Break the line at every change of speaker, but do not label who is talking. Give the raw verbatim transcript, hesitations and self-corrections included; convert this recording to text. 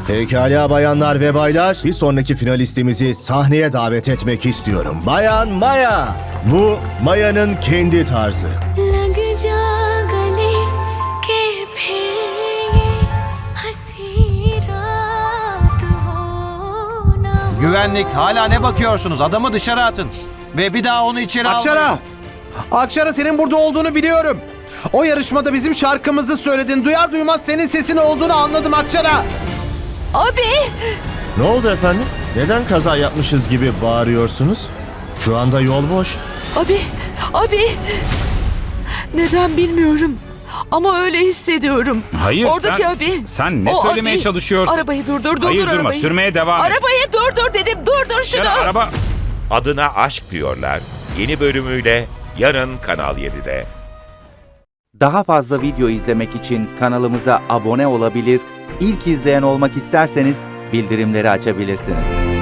Pekala bayanlar ve baylar, bir sonraki finalistimizi sahneye davet etmek istiyorum. Bayan Maya. Bu Maya'nın kendi tarzı.
लग जा गले के फिर ये हंसी रात हो ना।
Güvenlik, hala ne bakıyorsunuz? Adamı dışarı atın. Ve bir daha onu içeri
Akşara!
almayın.
Akşara, senin burada olduğunu biliyorum. O yarışmada bizim şarkımızı söyledin. Duyar duymaz senin sesin olduğunu anladım Akşara.
Abi!
Ne oldu efendim? Neden kaza yapmışız gibi bağırıyorsunuz? Şu anda yol boş.
Abi, abi. Neden bilmiyorum. Ama öyle hissediyorum.
Hayır,
Oradaki
sen-
abi.
sen ne
O
söylemeye
abi.
çalışıyorsun?
Arabayı durdur, durdur
Hayır, durma,
arabayı.
sürmeye devam et.
Arabayı durdur dedim, durdur şunu.
Ya, araba...
Adına Aşk diyorlar. Yeni bölümüyle yarın Kanal yedide.
Daha fazla video izlemek için kanalımıza abone olabilir, ilk izleyen olmak isterseniz bildirimleri açabilirsiniz.